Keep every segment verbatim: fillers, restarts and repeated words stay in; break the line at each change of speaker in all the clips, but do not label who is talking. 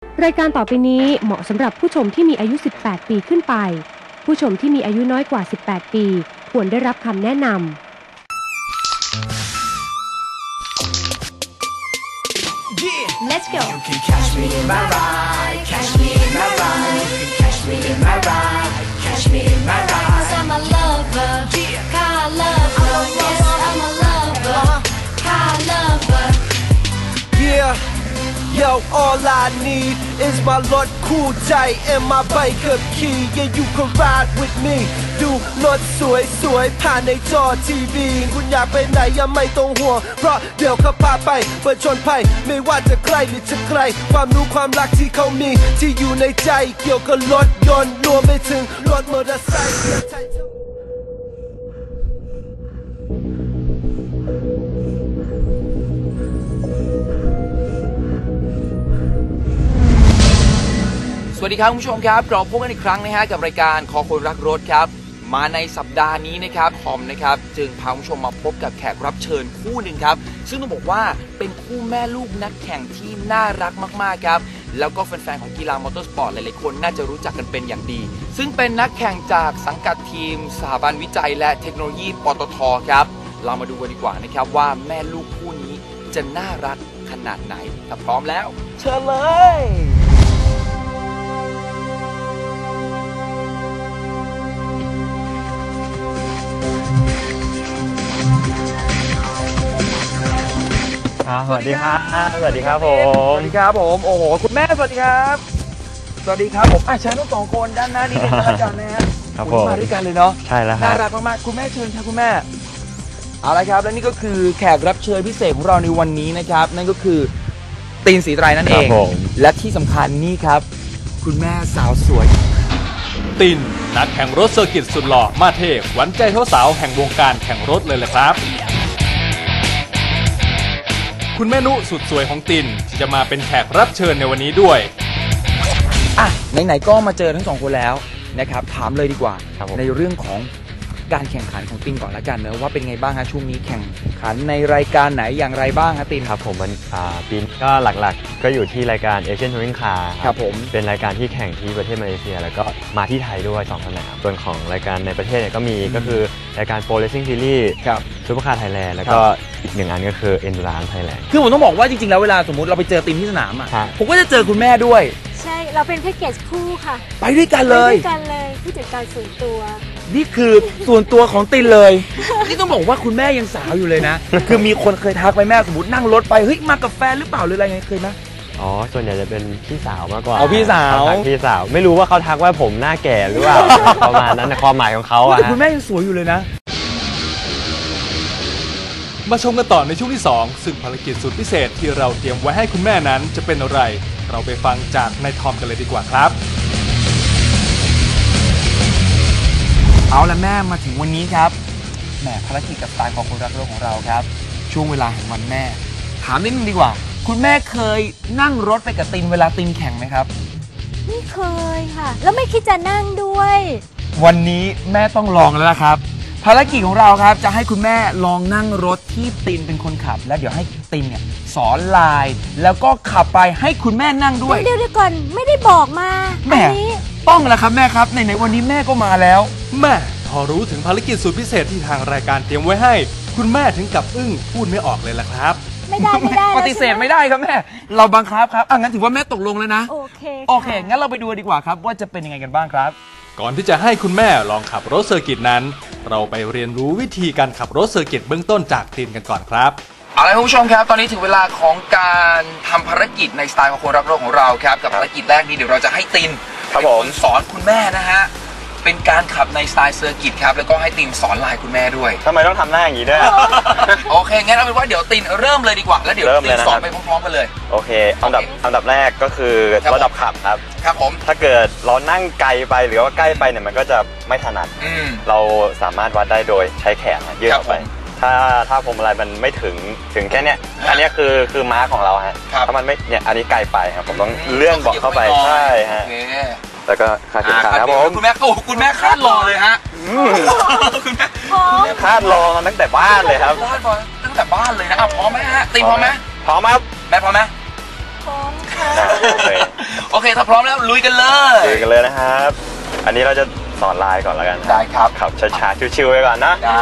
รายการต่อไปนี้เหมาะสำหรับผู้ชมที่มีอายุสิบแปดปีขึ้นไปผู้ชมที่มีอายุน้อยกว่าสิบแปดปีควรได้รับคำแนะนำ
Let's go. You can catch me in my ride, catch me in my ride. You can catch me in my ride, catch me in my ride. 'Cause I'm a lover, car lover. Yes, I'm a lover, car lover.
Yeah.Yo, all I need is my รถคู่ใจ and my bike ขับขี่ Yeah, you can ride with me ดูรถสวยสวยผ่านในจอทีวีคุณอยากไปไหนยังไม่ต้องห่วงเพราะเดี๋ยวเขาพาไปเปิดชนภัยไม่ว่าจะใกล้หรือจะไกลความรู้ความรักที่เขามีที่อยู่ในใจเกี่ยวกับรถยนต์รวมไปถึงรถมอเตอร์ไซค์
สวัสดีครับคุณผู้ชมครับเราพบกันอีกครั้งนะฮะกับรายการคอคนรักรถครับมาในสัปดาห์นี้นะครับทอมนะครับจึงพาคุณผู้ชมมาพบกับแขกรับเชิญคู่หนึ่งครับซึ่งต้องบอกว่าเป็นคู่แม่ลูกนักแข่งที่น่ารักมากๆครับแล้วก็แฟนๆของกีฬามอเตอร์สปอร์ตหลายๆคนน่าจะรู้จักกันเป็นอย่างดีซึ่งเป็นนักแข่งจากสังกัดทีมสถาบันวิจัยและเทคโนโลยีปตทครับเรามาดูกันดีกว่านะครับว่าแม่ลูกคู่นี้จะน่ารักขนาดไหนถ้าพร้อมแล้วเชิญเลย
สวัสดีครับสวัสดีครับผม
สวัสดีครับผมโอ้โหคุณแม่สวัสดีครับสวัสดีครับผมอ่ะเชิญทั้งสองคนด้านหน้านี้เป็นอาจารย์นะฮะครับผมมาด้วยกันเลยเนาะ
ใช่แล้วครับ
น่ารักมากๆคุณแม่เชิญครับคุณแม่เอาละครับและนี่ก็คือแขกรับเชิญพิเศษของเราในวันนี้นะครับนั่นก็คือตีนศรีไตรนั่นเองและที่สำคัญนี่ครับคุณแม่สาวสวย
ตินนักแข่งรถเซอร์กิตสุดหล่อมาเทพหวานใจสาวๆแห่งวงการแข่งรถเลยแหละครับคุณแม่นุสุดสวยของตินที่จะมาเป็นแขกรับเชิญในวันนี้ด้วย
อ่ะไหนๆก็มาเจอทั้งสองคนแล้วนะครับถามเลยดีกว่าในเรื่องของการแข่งขันของตินก่อนละกันเนอะว่าเป็นไงบ้างฮะช่วงนี้แข่งขันในรายการไหนอย่างไรบ้างฮะติน
ครับผมมันปีนี้ก็หลักๆก็อยู่ที่รายการเอเชียนทัวริงคาร์
ครับผม
เป็นรายการที่แข่งที่ประเทศมาเลเซียแล้วก็มาที่ไทยด้วยสองสนามส่วนของรายการในประเทศเนี่ยก็มีก็คือรายการโปรเลสซิ่งซีรีส์ซูเปอร์คาร์ไทยแลนด์แล้วก็อีกหนึ่งอันก็คือเอ็นดูรานซ์ไทยแลนด์
คือผมต้องบอกว่าจริงๆแล้วเวลาสมมติเราไปเจอตินที่สนามอ่ะผมก็จะเจอคุณแม่ด้วย
ใช่เราเป็นแพ็กเกจคู่ค่ะ
ไปด้วยกันเลย
ไปด้วยกันเลยผู้จัดการส่วนตัว
นี่คือส่วนตัวของตินเลยนี่ต้องบอกว่าคุณแม่ยังสาวอยู่เลยนะคือมีคนเคยทักไปแม่สมมตินั่งรถไปเฮ้ยมากับแฟนหรือเปล่าหรืออะไรเงี้ยเคยไหม
อ๋อส่วนใหญ่จะเป็นพี่สาวมากกว่า
เอาพี่สาว
พี่สาวไม่รู้ว่าเขาทักว่าผมหน้าแก่หรือเปล่าประมาณนั้นในความหมายของเขาอะ
คุณแม่ยังสวยอยู่เลยนะ
มาชมกันต่อในช่วงที่สองซึ่งภารกิจสุดพิเศษที่เราเตรียมไว้ให้คุณแม่นั้นจะเป็นอะไรเราไปฟังจากนายทอมกันเลยดีกว่าครับ
เอาละแม่มาถึงวันนี้ครับแหมภารกิจกับสไตล์ของคนรักโลกของเราครับช่วงเวลาแห่งวันแม่ถามนิดนึงดีกว่าคุณแม่เคยนั่งรถไปกับตินเวลาตินแข่งไหมครับ
ไม่เคยค่ะแล้วไม่คิดจะนั่งด้วย
วันนี้แม่ต้องลองแล้วละครับภารกิจของเราครับจะให้คุณแม่ลองนั่งรถที่ตินเป็นคนขับแล้วเดี๋ยวให้ตินเนี่ยสอนลายแล้วก็ขับไปให้คุณแม่นั่งด้วย
เดี๋ยวเดี๋ยวก่อนไม่ได้บอกมา
แม่ต้องแล้วครับแม่ครับไหนๆวันนี้แม่ก็มาแล้ว
แม่พอรู้ถึงภารกิจสุดพิเศษที่ทางรายการเตรียมไว้ให้คุณแม่ถึงกับอึ้งพูดไม่ออกเลยล่ะครับ
ไม่ได้ไม่ได้
ปฏิเสธไม่ได้ครับแม่เราบังคับครับอ่ะงั้นถือว่าแม่ตกลงแล้วนะ
โอเค
โอเคงั้นเราไปดูดีกว่าครับว่าจะเป็นยังไงกันบ้างครับ
ก่อนที่จะให้คุณแม่ลองขับรถเซอร์กิตนั้นเราไปเรียนรู้วิธีการขับรถเซอร์กิตเบื้องต้นจากตินกันก่อนครับ
เอาละคุณผู้ชมครับตอนนี้ถึงเวลาของการทำภารกิจในสไตล์ของคนรักโลกของเราครับกับภารกิจแรกนี้เดี๋ยวเราจะให้ตินเป็นคนสอนคุณแม่นะฮะเป็นการขับในสไตล์เซอร์กิตครับแล้วก็ให้ตินสอนลายคุณแม่ด้วย
ทำไมต้องทำหน้าอย่างนี้ด้วย
โอเคงั้นเอาเป็นว่าเดี๋ยวตินเริ่มเลยดีกว่าแล้วเดี๋ยวตินสอนไปพร้อมๆกันเลย
โอเคอันดับอันดับแรกก็คือระดับขับครับ
ครับผม
ถ้าเกิดเรานั่งไกลไปหรือว่าใกล้ไปเนี่ยมันก็จะไม่ถนัดเราสามารถวัดได้โดยใช้แขนยื่นออกไปถ้าถ้าพวงมาลัยมันไม่ถึงถึงแค่เนี้ยอันนี้คือคือม้าของเราฮะถ้ามันไม่เนี่ยอันนี้ไกลไปครับผมต้องเลื่อนเบาะเข้าไปใช่ฮะแล้วก็คาดเข็มขัดครับผม
คุณแม่โอ้คุณแม่คาดรอเลยฮะคุณแม่
คาดรอมาตั้งแต่บ้านเลยครับ
คาดรอตั้งแต่บ้านเลยนะพร้อมไหมฮะตีพร้อมไหม
พร้อมครับ
แม่พร้อมไหม
พร้อมค่ะ
ถ้าพร้อมแล้วลุยกันเลย
ลุยกันเลยนะครับอันนี้เราจะสอนลายก่อนแล้วกัน
ได้ครับ
ขับช้าๆชิวๆไว้ก่อนนะ
ได้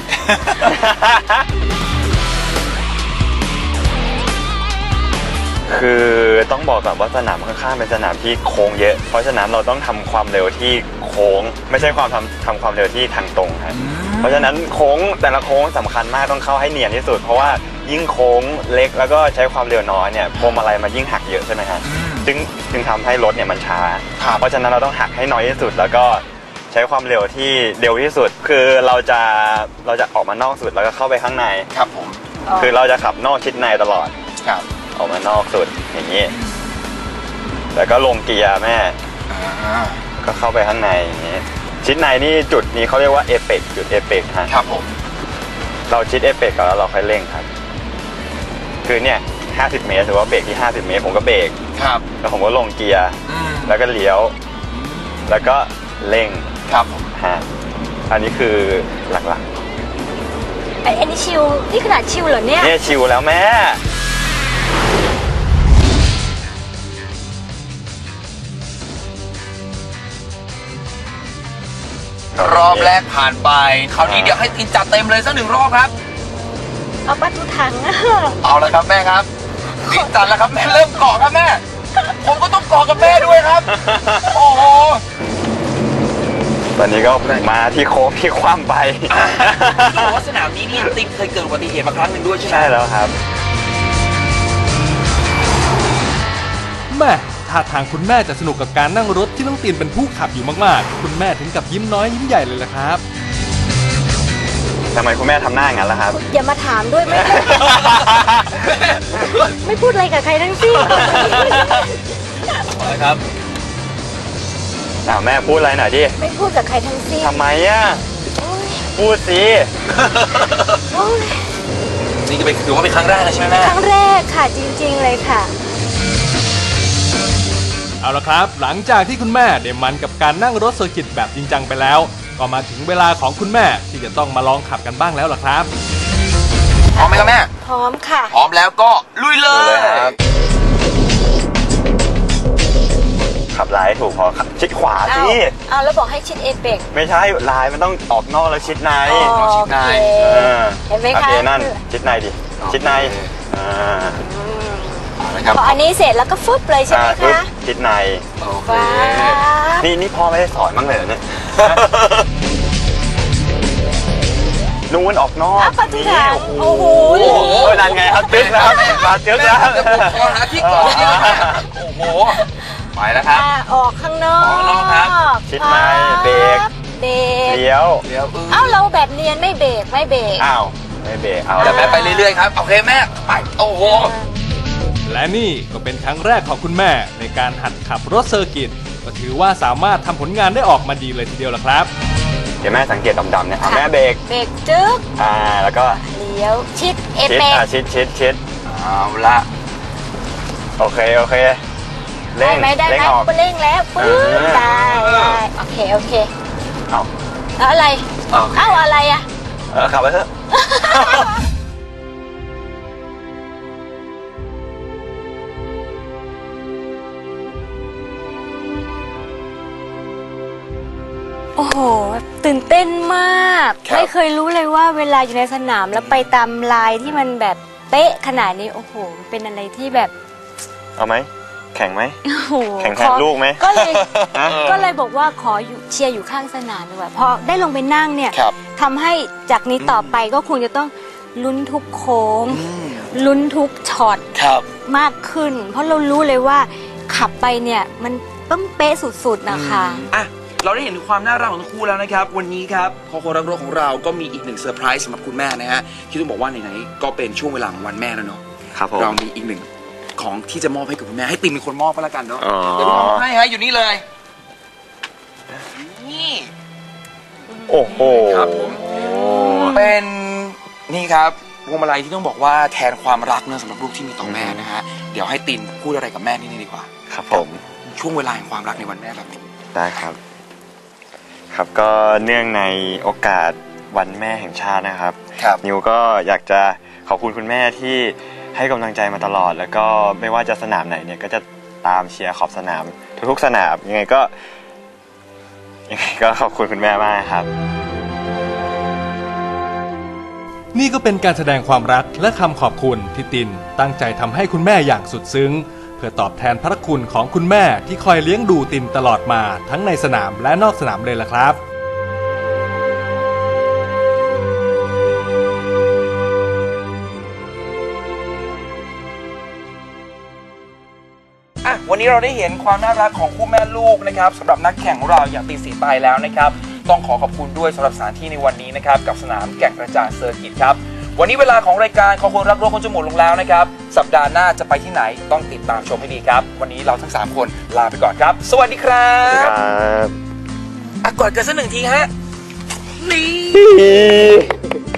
คือต้องบอกก่อนว่าสนามข้างๆเป็นสนามที่โค้งเยอะเพราะฉะนั้นเราต้องทำความเร็วที่โค้งไม่ใช่ความทำทำความเร็วที่ทางตรงครับเพราะฉะนั้นโค้งแต่ละโค้งสำคัญมากต้องเข้าให้เนียนที่สุดเพราะว่ายิ่งโค้งเล็กแล้วก็ใช้ความเร็วน้อยเนี่ยพวงมาลัยมันยิ่งหักเยอะใช่ไหมครับจึงจึงทำให้รถเนี่ยมันช้าเพราะฉะนั้นเราต้องหักให้น้อยที่สุดแล้วก็ใช้ความเร็วที่เร็วที่สุดคือเราจะเราจะออกมานอกสุดแล้วก็เข้าไปข้างใน
ครับผม
คือเราจะขับนอกชิดในตลอด
ครับ
ออกมานอกสุดอย่างนี้แล้วก็ลงเกียร์แม่ก็เข้าไปข้างในอย่างนี้ชิดในนี่จุดนี้เขาเรียกว่าเอเปกจุดเอเปก
ครับผม
เราชิดเอเปกก่อนแล้วเราค่อยเร่งครับคือเนี่ยห้าสิบเมตรถือว่าเบรกที่ห้าสิบเมตรผมก็เบรก
ครับ
แล้วผมก็ลงเกียร์แล้วก็เลี้ยวแล้วก็เร่ง
ครับ
ฮะอันนี้คือหลัก
ๆไอ้อันนี้ชิวนี่ขนาดชิวเหรอเนี่ย
เนี่ยชิวแล้วแม่
รอบแรกผ่านไปคราวนี้เดี๋ยวให้ตินจัดเต็มเลยสักหนึ่งรอบครับ
เอาปลาทูถัง
เอาละครับแม่ครับตินจัดแล้วครับแม่เริ่มเกาะครับแม่ผมก็ต้องเกาะกับแม่ด้วยครับโอ้โห
ตอนนี้ก็มาที่โค้งที่คว่ำไป
บอกว่าสนามนี้เนี่ยตินเคยเกิดอุบัติเหตุมาครั้งหนึ่งด้วยใช่ไหม
ใช่แล้วครับ
แม่ท่าทางคุณแม่จะสนุกกับการนั่งรถที่น้องตีนเป็นผู้ขับอยู่มากๆคุณแม่ถึงกับยิ้มน้อยยิ้มใหญ่เลยล่ะครับ
ทำไมคุณแม่ทำหน้าอย่างนั้นล่ะครับ
อย่ามาถามด้วยไม่ไม่พูดอะไรกับใครทั้งสิ้น
ครับแม่พูดอะไรหน่อยดิ
ไม่พูดกับใครทั้งสิ้น
ทำไมอ่ะพูดสิ
นี่ก็เป็นถือว่าเป็นครั้งแรกใช่ไหมแม่
ครั้งแรกค่ะจริงๆเลยค่ะ
เอาละครับหลังจากที่คุณแม่ได้มันกับการนั่งรถเซอร์กิตแบบจริงจังไปแล้วก็มาถึงเวลาของคุณแม่ที่จะต้องมาลองขับกันบ้างแล้วล่ะครับ
พร้อมไหมครับแม่
พร้อมค่ะ
พร้อมแล้วก็ลุยเลย
ขับลายถูกพอชิดขวาสิ
อ้าวแล้วบอกให้ชิดเอเปก
ไม่ใช่ลายมันต้องออกนอกแล้วชิดใน
ชิดใน
เห็นไหมคะ
โอเคนั่นชิดในดิชิดใน
พออันนี้เสร็จแล้วก็ฟึบเลยใช่ไหมคะ
ชิดในนี่นี่พ่อไม่ได้สอนบ้างเลยเนี่ยนู่นออกนอก
นี่โอ้โห
นั่นไงครับตึ๊กแล้วมาตึ๊กแล้ว
ขอหาที่ก่อนโอ้โหไปแล้วครับ
ออกข้างนอก
ออกนอกครับ
ชิดในเบรก
เบรก
เลี้ยว
เลี้ยว
เอ้าเราแบบเนียนไม่เบรกไม่เบรก
อ้าวไม่เบรกเอา
แล้วแม่ไปเรื่อยๆครับโอเคแม่ไปโอ้โห
และนี่ก็เป็นครั้งแรกของคุณแม่ในการหัดขับรถเซอร์กิตก็ถือว่าสามารถทำผลงานได้ออกมาดีเลยทีเดียวล่ะครับ
เดี๋ยวแม่สังเกตดำๆเนี่ยแม่เบรก
เบรกจึ๊ก
อ่าแล้วก็
เลี้ยวชิดเอเปก
ชิดชิดชิด
เอาละ
โอเคโอเค
เร่งได้ไหมเร่งแล้วปื๊ดได้โอเคโอเค
เอา
แล้วอะไรเอ้าอะไรอ่ะ
เออขับไปเถอะ
โอ้โหตื่นเต้นมากไม่เคยรู้เลยว่าเวลาอยู่ในสนามแล้วไปตามลายที่มันแบบเป๊ะขนาดนี้โอ้โหเป็นอะไรที่แบบ
เอาไหมแข่งไหมแข่งแทนลูกไหม
ก็เลยก็เลยบอกว่าขออยู่เชียร์อยู่ข้างสนามดีกว่าพอได้ลงไปนั่งเนี่ยทำให้จากนี้ต่อไปก็คงจะต้องลุ้นทุกโค้งลุ้นทุกช็อตมากขึ้นเพราะเรารู้เลยว่าขับไปเนี่ยมันต้องเป๊ะสุดๆนะคะ
เราได้เห็นความน่ารักของทั้งคู่แล้วนะครับวันนี้ครับคอคนรักรถของเราก็มีอีกหนึ่งเซอร์ไพรส์สำหรับคุณแม่นะฮะที่ต้องบอกว่าไหนๆก็เป็นช่วงเวลาของวันแม่แล้วเนาะเรามีอีกหนึ่งของที่จะมอบให้กับคุณแม่ให้ติมเป็นคนมอบก็แล้วกันเนาะเดี๋ยวมอบให้ฮะอยู่นี่เลยนี่
โอ้โห
ครับผมเป็นนี่ครับพวงมาลัยที่ต้องบอกว่าแทนความรักเนอะสำหรับลูกที่มีต่อแม่นะฮะเดี๋ยวให้ติมพูดอะไรกับแม่นี่ดีกว่า
ครับผม
ช่วงเวลาแห่งความรักในวันแม่แบบนี้
ได้ครับครับก็เนื่องในโอกาสวันแม่แห่งชาตินะครับนิวก็อยากจะขอบคุณคุณแม่ที่ให้กำลังใจมาตลอดแล้วก็ไม่ว่าจะสนามไหนเนี่ยก็จะตามเชียร์ขอบสนามทุกๆสนามยังไงก็ยังไงก็ขอบคุณคุณแม่มากครับ
นี่ก็เป็นการแสดงความรักและคำขอบคุณที่ตินตั้งใจทำให้คุณแม่อย่างสุดซึ้งเพื่อตอบแทนพระคุณของคุณแม่ที่คอยเลี้ยงดูตินตลอดมาทั้งในสนามและนอกสนามเลยล่ะครับ
อ่ะวันนี้เราได้เห็นความน่ารักของคู่แม่ลูกนะครับสำหรับนักแข่งของเราอย่างตินศรีไตรแล้วนะครับต้องขอขอบคุณด้วยสำหรับสถานที่ในวันนี้นะครับกับสนามแก่งกระจานเซอร์กิตครับวันนี้เวลาของรายการขอคนรักรถคนจะหมดลงแล้วนะครับสัปดาห์หน้าจะไปที่ไหนต้องติดตามชมให้ดีครับวันนี้เราทั้งสามคนลาไปก่อนครับสวัสดีครับอ่ะกอดกันสักหนึ่งทีฮะนี่